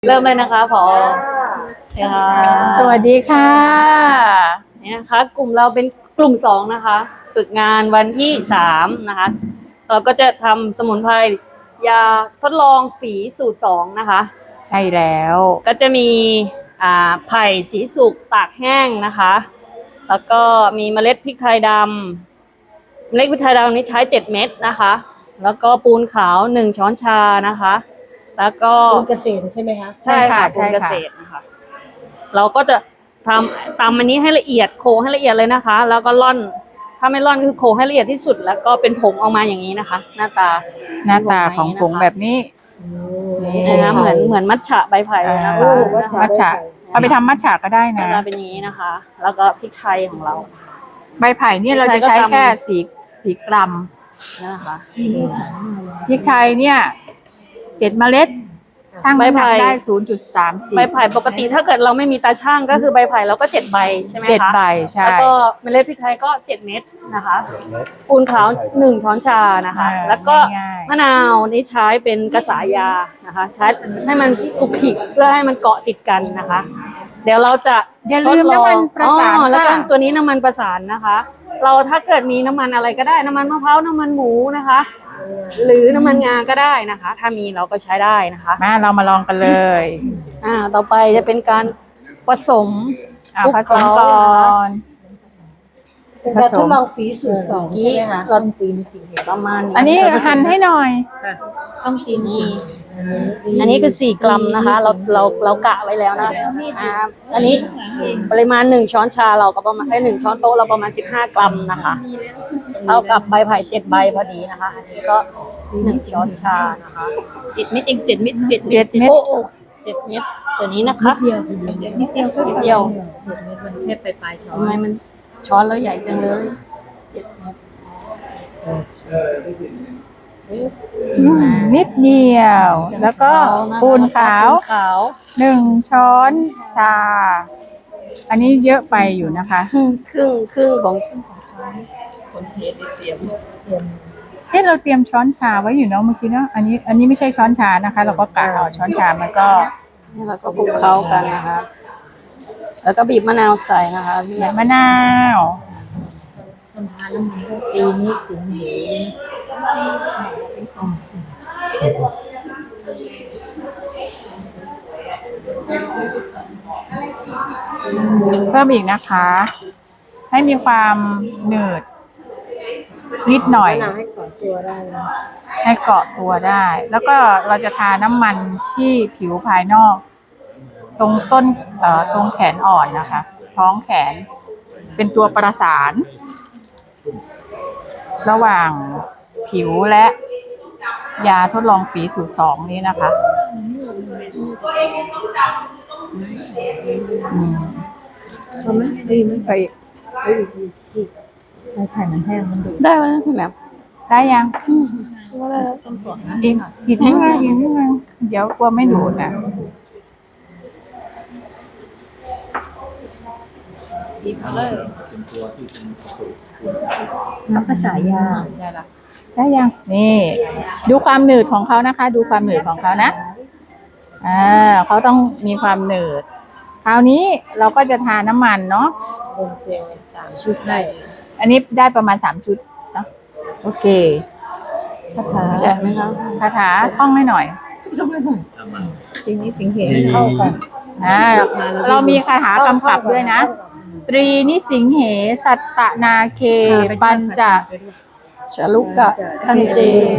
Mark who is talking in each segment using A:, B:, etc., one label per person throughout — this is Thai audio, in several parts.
A: เริ่มเลยนะคะผอค่ะ
B: สวัสดีค่ะ
A: นี่นะคะกลุ่มเราเป็นกลุ่ม2นะคะฝึกงานวันที่3นะคะเราก็จะทำสมุนไพรยาทดลองฝีสูตร2นะคะ
B: ใช่แล้ว
A: ก็จะมีไผ่สีสุกตากแห้งนะคะแล้วก็มีเมล็ดพริกไทยดำเมล็ดพริกไทยดำนี้ใช้7เม็ดนะคะแล้วก็ปูนขาว1ช้อนชานะคะแล้วก็
C: ปูนเกษตรใช่ไหมคะ
A: ใช่ค่ะปูนเกษตรนะคะเราก็จะทำตำอันนี้ให้ละเอียดโขให้ละเอียดเลยนะคะแล้วก็ร่อนถ้าไม่ร่อนก็คือโขให้ละเอียดที่สุดแล้วก็เป็นผงออกมาอย่างนี้นะคะหน้าตา
B: ของผงแบบนี้
A: นะคะเหมือนมัทฉะใบไผ่นะคะ
B: มัทฉะเอาไปทำมัทฉะก็ได้นะ
A: เป็นอย่างนี้นะคะแล้วก็พริกไทยของเรา
B: ใบไผ่เนี่ยเราจะใช้แค่4กรัม
A: นะคะ
B: พริกไทยเนี่ย7เมล็ดช่างใบไผ่ได้0.34
A: ใบไผ่ปกติถ้าเกิดเราไม่มีตาช่างก็คือใบไผ่เราก็7ใบใช่ไหมคะ
B: 7ใบใช่
A: แล้วก็เมล็ดพริกไทยก็7เม็ดนะคะปูนขาว1ช้อนชานะคะแล้วก็มะนาวนี่ใช้เป็นกระสายานะคะใช้ให้มันคลุกคลิกเพื่อให้มันเกาะติดกันนะคะเดี๋ยวเราจะ
B: ทดลองประสาน
A: แล้วก็ตัวนี้น้ำมันประสานนะคะเราถ้าเกิดมีน้ำมันอะไรก็ได้น้ำมันมะพร้าวน้ำมันหมูนะคะหรือน้ำมันงาก็ได้นะคะถ้ามีเราก็ใช้ได้นะคะ
B: เรามาลองกันเลย
A: ต่อไปจะเป็นการผสม
B: ผสมก่อน
C: เป็นการทดลองฝีสูตร2ใช่ไหมคะ
A: เราตีนสีประมาณ
B: อันนี้หั่นให้หน่อย
A: ต้องตีนี่อันนี้คือ4กรัมนะคะเรากะไว้แล้วนะอันนี้ปริมาณ1ช้อนชาเราก็ประมาณ1ช้อนโต๊ะเราประมาณ15กรัมนะคะเท่ากับใบไผ่7ใบพอดีนะคะอันนี้ก็1ช้อนชานะคะ7เม็ดเอง7เม็ด7เม็ดโอ้7เม็ดตัวนี้นะคะนิดเดียว
C: มันแค่ปลายช้อน
A: ทำไมมันช้อนแล้วใหญ่จังเลย7เม็ด
B: นิดเดียวแล้วก็ปูนขาว1ช้อนชาอันนี้เยอะไปอยู่นะคะ
A: ครึ่งของ
C: คนเทสเตรียม
B: เราเตรียมช้อนชาไว้อยู่เนาะเมื่อกี้เนาะอันนี้ไม่ใช่ช้อนชานะคะเราก็กะเอาช้อนชามันก็
A: เราก็คลุกเคล้ากันนะคะแล้วก็บีบมะนาวใส่นะคะ
B: บีบมะนาว
C: คนทานแล้วมันก็ปีนี้สิงเห
B: เพิ่มอีกนะคะให้มีความหนืดนิดหน่อย
C: ให้เกาะตัวได้
B: ให้เกาะตัวได้แล้วก็เราจะทาน้ำมันที่ผิวภายนอกตรงต้นตรงแขนอ่อนนะคะท้องแขนเป็นตัวประสานระหว่างผิวและยาทดลองฝีสูตร2นี้นะคะ
C: ทำไหมดีไหม
B: ไป
C: ไข่มันแห้งมันดู
A: ได้แล้วนะพี่แหม่ม
B: ได้ยัง
A: ว่าได้แล้วต้องกดนะ
B: อีกนิดนึงเดี๋ยวกลัวไม่ดูดนะ
A: บีบเลย
C: น้ำภาษายา
B: ได้ยังนี่ดูความหนืดของเขานะคะดูความหนืดของเขานะเขาต้องมีความหนืดคราวนี้เราก็จะทาน้ำมันเนาะ
C: เจล3 ชุดได้
B: อันนี้ได้ประมาณ3ชุดเนาะโอเค
A: คาถาแจกไหมคะ
B: คาถาท่องให้หน่อย
C: สิ่งนี้สิ่งเหตุเข้ากัน
B: เรามีคาถากำกับด้วยนะตรีนิสิงเหสัตตนาเคปัญจ
A: ชลุกะคันเจ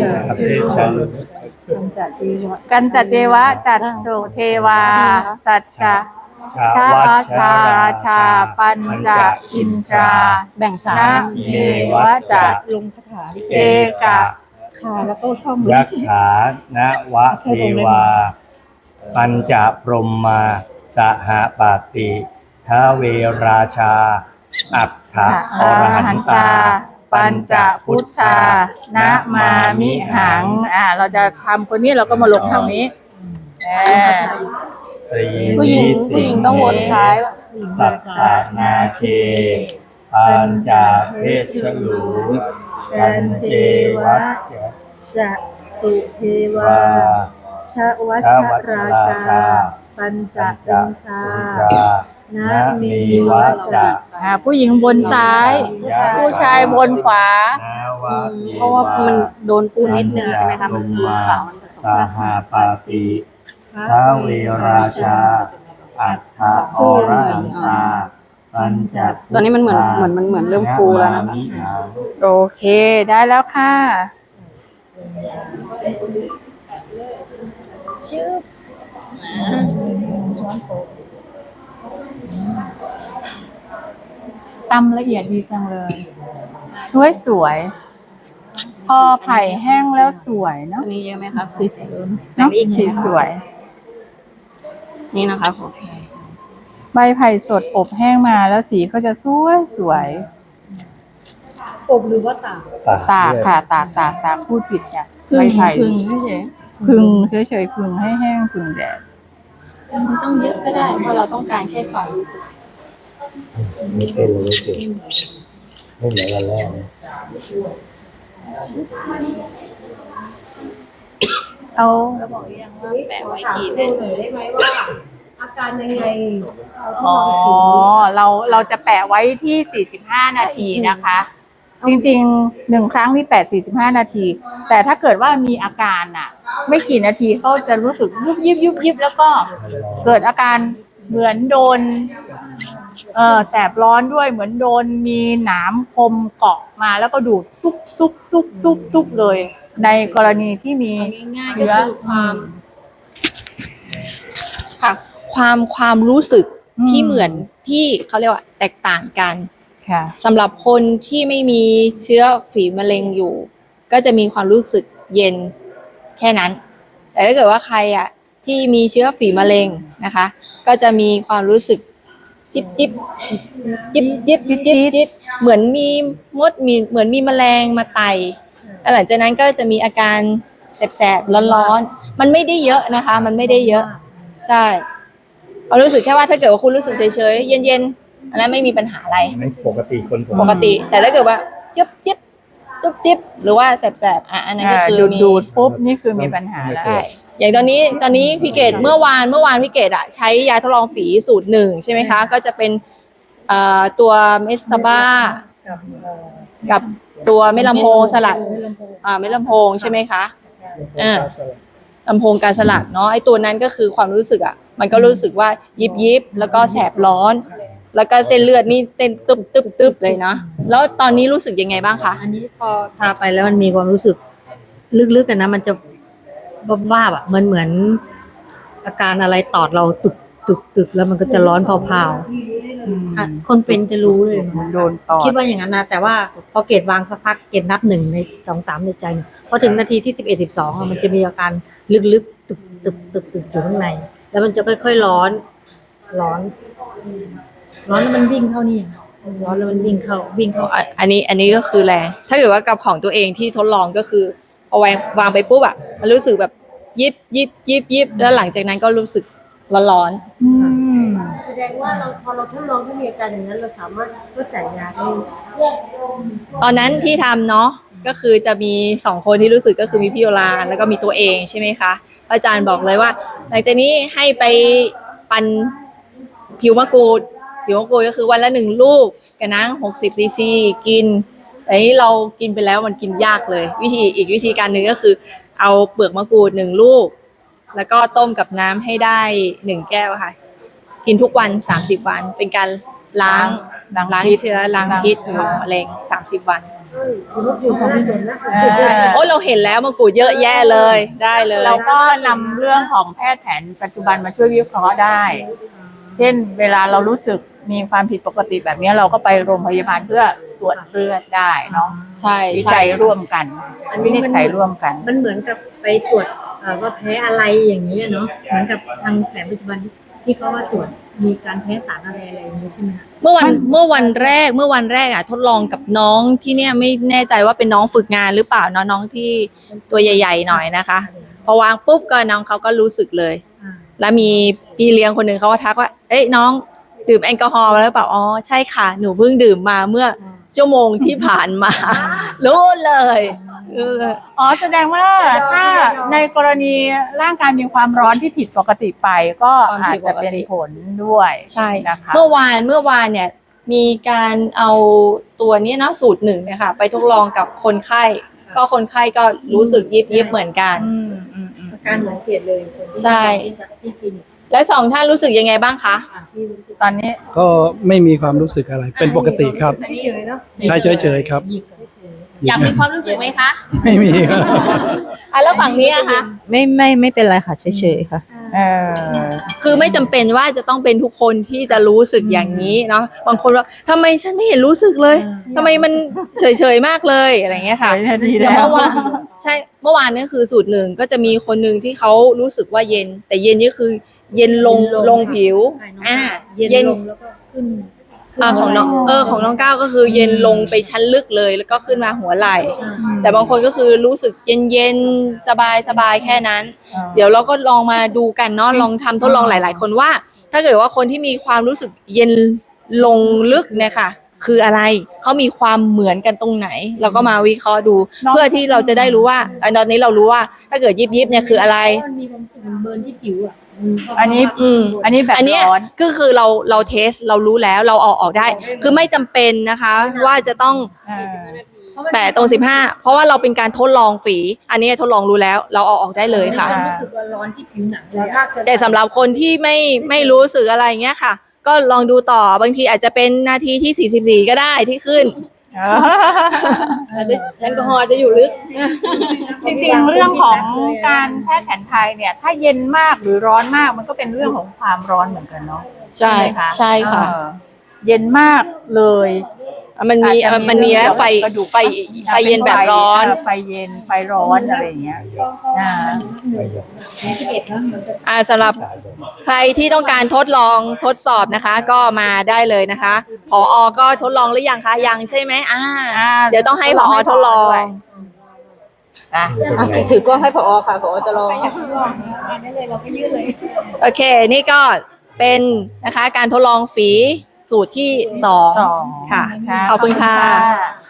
B: กันจัเจวะจัตโตเทวาสัจจะชาวัชาราชาปัญจอินทรา
A: แบ่งสา
B: มเมวะจัต
C: ลงคาถา
B: เอกะ
C: แล้วก็ท่อง
D: ยักขานะวะเทวาปัญจพรหมาสหปาติท้าเวราชาอัฏฐอรหันตา
B: ปัญจพุทธานะมามิหังเราจะทำคนนี้เราก็มาลงทางนี้
A: ผู้หญิงต้องวนซ้าย
D: สัตตนาเคปัญจเพชรูปัญเจวัจจะตุเทวา
B: ชะวัช
D: ชาวัช
B: รา
D: รา
B: ชา
D: ชา
B: ปัญจ
D: ปัญจ
B: อินทรา
D: อินทรานะมีวัจจะ
B: ผู้หญิงบนซ้าย ผู้ชายบนขวา
D: นาวะเท
A: เพราะว่ามันโดนปูนนิดนึงใช่ไหมคะ
D: ปั
A: มัน
D: ญ
A: ปู
D: จ
A: นขาวมันผสม
D: สหปาติท้าวเวราชา อัฏฐาอรหันตาปัญจ
A: ตอนนี้มันเหมือนเริ่มฟูแล้วนะคะ
B: โอเค ได้แล้วค่ะ
A: ชื่อ
B: ตำละเอียดดีจังเลย สวยๆ พอไผ่แห้งแล้วสวยเนาะ
A: ตัวนี้เยอะไหมคะ
B: สีสวยเนาะสีสวย
A: นี่นะคะผม
B: ใบไผ่สดอบแห้งมาแล้วสีก็จะสวย
C: อบหรือว่าตาก
B: ตากค่ะตากพูดผิดเนี่ย
A: พึ่
B: ใบ
A: ง
B: ไผ่
A: พึ่งเฉย
B: พึ่งเฉยๆพึ่งให้แห้งพึ่งแดด
A: มันต้องเยอะก็ได้เพราะเราต้องการแค่ความรู้สึก
D: ไม่เป็นเลยไม่เป็นไม่เหมือนกันแรกเลย
B: เอา
A: แปะไว้
C: ถาม
A: กี่
C: เพื่
A: นา
C: อนห
A: ที
C: น่อยได้ไหมว่า อาการยังไง
B: อ๋อเราจะแปะไว้ที่ 45 นาทีนะคะ จริงๆ1ครั้งนี่แปะ45 นาที แต่ถ้าเกิดว่ามีอาการอ่ะ ไม่กี่นาทีเขาจะรู้สึกยุบแล้วก็เกิดอาการเหมือนโดนแสบร้อนด้วยเหมือนโดนมีหนามคมเกาะมาแล้วก็ดูดทุบเลย ในกรณีที่มี
E: ง่ายๆก็
B: เชื้อ
E: คือค่ะความรู้สึกที่เหมือนที่เขาเรียกว่าแตกต่างกัน
B: ค่ะ
E: สำหรับคนที่ไม่มีเชื้อฝีมะเร็งอยู่ ก็จะมีความรู้สึกเย็นแค่นั้น แต่ถ้าเกิดว่าใครอ่ะที่มีเชื้อฝีมะเร็งนะคะ ก็จะมีความรู้สึกจิบเหมือนมีมดเหมือนมีแมลงมาไต่แล้วหลังจากนั้นก็จะมีอาการแสบๆร้อนๆมันไม่ได้เยอะนะคะ มันไม่ได้เยอะใช่เรารู้สึกแค่ว่าถ้าเกิดว่าคุณรู้สึกเฉยๆเย็นๆอันนั้นไม่มีปัญหาอะไร
D: ไม่ปกติคน
E: ปกติ แต่ถ้าเกิดว่าจิ๊บหรือว่าแสบๆอันนั้นก็คือมี
B: ดูดปุ๊บนี่คือมีปัญหาแล้ว
E: ใช่อย่างตอนนี้พี่เกดเมื่อวานพี่เกดอะใช้ยาทดลองฝีสูตร1ใช่ไหมคะก็จะเป็นตัวเมสซาบ้ากับตัวเมดลำโพงสลัดเมดลำโพงใช่ไหมคะลำโพงการสลัดเนาะไอ้ตัวนั้นก็คือความรู้สึกอะมันก็รู้สึกว่ายิบแล้วก็แสบร้อน แล้วก็เส้นเลือดนี่เต้นตึบเลยนะแล้วตอนนี้รู้สึกยังไงบ้างคะ
F: อันนี้พอทาไปแล้วมันมีความรู้สึกลึกๆกันนะ มันจะวาบๆอ่ะเหมือนอาการอะไรตอดเราตึกแล้วมันก็จะร้อนเผาๆอ่ะคนเป็นจะรู้เลย
B: โดนตอด
F: คิดว่าอย่างนั้นนะแต่ว่าพอเกรดวางสักพักเกรดนับ1 ใน 2 3ในใจเนี่ยพอถึงนาทีที่11 12อ่ะมันจะมีอาการลึกๆตึกอยู่ข้างใน แล้วมันจะค่อยๆร้อนแล้วมันวิ่งเข้านี่ร้อนแล้วมันวิ่งเข้า
E: อันนี้ก็คือแรงถ้าเกิดว่ากับของตัวเองที่ทดลองก็คือพอวางไปปุ๊บอะมันรู้สึกแบบยิบแล้วหลังจากนั้นก็รู้สึกร้อน
C: แสดงว่าพอเราทดลองถ้ามีอาการอย่างนั้นเราสามารถก็จ่ายยาได้
E: ๆตอนนั้นที่ทำเนาะก็คือจะมี2คนที่รู้สึกก็คือมีพี่โอลานแล้วก็มีตัวเองใช่ไหมคะอาจารย์บอกเลยว่า หลังจากนี้ให้ไปปั่นผิวมะกรูดก็คือวันละ1 ลูกกับน้ำ60 ซีซีกินแต่นี้เรากินไปแล้วมันกินยากเลยอีกวิธีการหนึ่งก็คือเอาเปลือกมะกรูด1 ลูกแล้วก็ต้มกับน้ำให้ได้1 แก้วค่ะกินทุกวัน30 วันเป็นการล้างเชื้อล้างพิษของมะเร็ง30 วัน
C: อยู่ของเสร็จนะ
E: โอ้เราเห็นแล้วมะกรูดเยอะแยะเลยได้เลย
B: เราก็นำเรื่องของแพทย์แผนปัจจุบันมาช่วยวิเคราะห์ได้ เช่นเวลาเรารู้สึกมีความผิดปกติแบบนี้เราก็ไปโรงพยาบาลเพื่อตรวจเลือดได้เนาะ
E: ใช่
B: วิจัยร่วมกันวินิจฉัยร่วมกัน
F: มันเหมือนกับไปตรวจว่าแพ้อะไรอย่างนี้เนาะเหมือนกับทางแผนปัจจุบันที่เขาว่าตรวจมีการแพ้สารอะไรอย่างนี้ใช่ไหมคะ
E: เมื่อวันแรกอ่ะทดลองกับน้องที่เนี่ยไม่แน่ใจว่าเป็นน้องฝึกงานหรือเปล่าเนาะน้องที่ตัวใหญ่ๆหน่อยนะคะพอวางปุ๊บก็น้องเขาก็รู้สึกเลย แล้วมีพี่เลี้ยงคนหนึ่งเขาก็ทักว่าเอ้ยน้องดื่มแอลกอฮอล์มาแล้วเปล่าอ๋อใช่ค่ะหนูเพิ่งดื่มมาเมื่อชั่วโมงที่ผ่านมา รู้เลย
B: อ๋อแสดงว่าถ้าในกรณีร่างกายมีความร้อนที่ผิดปกติไปก็อาจจะเป็นผลด้วย
E: ใช่
B: นะคะ
E: เมื่อวานเนี่ยมีการเอาตัวนี้เนาะสูตรหนึ่งเนี่ยค่ะไปทดลองกับคนไข้ ก็คนไข้ก็รู้สึกยิบเหมือนกัน
C: อาการเหมือนเกลียดเลยคนที่
E: ใช่
C: ที่กิน
E: และสองท่านรู้สึกยังไงบ้างคะ
C: ที่รู้สึก
B: ตอนนี้
G: ก็ไม่มีความรู้สึกอะไร เป็นปกติครับ
C: เฉยๆเนาะ
G: ใช่เฉยๆครับ
E: อยากมีความรู้สึกไหมคะ
G: ไม่มีครับ
E: อ่ะแล้วฝั่งนี้อะคะ
F: ไม่เป็นไรค่ะเฉยๆค่ะ
B: เออ
E: คือไม่จำเป็นว่าจะต้องเป็นทุกคนที่จะรู้สึกอย่างนี้เนาะบางคนว่าทำไมฉันไม่เห็นรู้สึกเลยทำไมมันเฉยๆมากเลยอะไรเงี้ยค่ะ
B: ดี
E: แต่
B: แล้ว
E: เมื่อวานใช่เมื่อวานนี่คือสูตรหนึ่งก็จะมีคนหนึ่งที่เขารู้สึกว่าเย็น แต่เย็นนี่คือเย็นลงผิวเย็น
C: ลงแล้วก็ขึ้น
E: ของน้องของน้องก้าวก็คือเย็นลงไปชั้นลึกเลย แล้วก็ขึ้นมาหัวไหล่ แต่บางคนก็คือรู้สึกเย็นสบายแค่นั้น เดี๋ยวเราก็ลองมาดูกันเนาะลองทำทดลองหลาย ๆ คนว่า ถ้าเกิดว่าคนที่มีความรู้สึกเย็นลงลึกเนี่ยค่ะ คืออะไรเขามีความเหมือนกันตรงไหน เราก็มาวิเคราะห์ดู เพื่อที่เราจะได้รู้ว่าตอนนี้เรารู้ว่าถ้าเกิดยิบเนี่ยคืออะไร
C: มันมีความรู้สึกมันเบิร์นที่ผิวอ่ะ
B: อันนี้ อันนี้แบบ
E: อันเนี้ย
B: ร้อน
E: ก็คือเราเทสเรารู้แล้วเราเอาออกได้ คือไม่จำเป็นนะคะ ว่าจะต้อง แปะตรง15เพราะว่าเราเป็นการทดลองฝี อันนี้ทดลองรู้แล้ว เราเอาออกได้เลยค่ะ
C: รู้สึกว่าร้อนที่ผิวหนังเลย
E: แต่สำหรับคนที่ไม่รู้สึกอะไรเงี้ยค่ะ ก็ลองดูต่อบางทีอาจจะเป็นนาทีที่44ก็ได้ที่ขึ้น
A: แอลกอฮอล์จะอยู่ลึก
B: จริงๆ เรื่องของการแพทย์แผนไทยเนี่ย ถ้าเย็นมากหรือร้อนมากมันก็เป็นเรื่องของความร้อนเหมือนกันเนาะ
E: ใช่
B: ไหมคะ
E: ใช่ค่ะ
B: เย็นมากเลย
E: มันมี
B: อาจจะ
E: มันมีแล้วไฟ
B: กระดูก
E: ไฟเย็นแบบร้อน
B: ไฟเย็นไฟร้อนอะไรอย่างเงี้ยอ่า
E: สำหรับใครที่ต้องการทดลองทดสอบนะคะ ก็มาได้เลยนะคะผอก็ทดลองหรือยังคะยังใช่ไหมเดี๋ยวต้องให้ผอทดลอง
B: อ่ะ
E: ถือกล้องให้ผอค่ะผอจะลองโอเค นี่ก็เป็นนะคะการทดลองฝีสูตรที่ 2 ค่ะ ขอบคุณค่ะ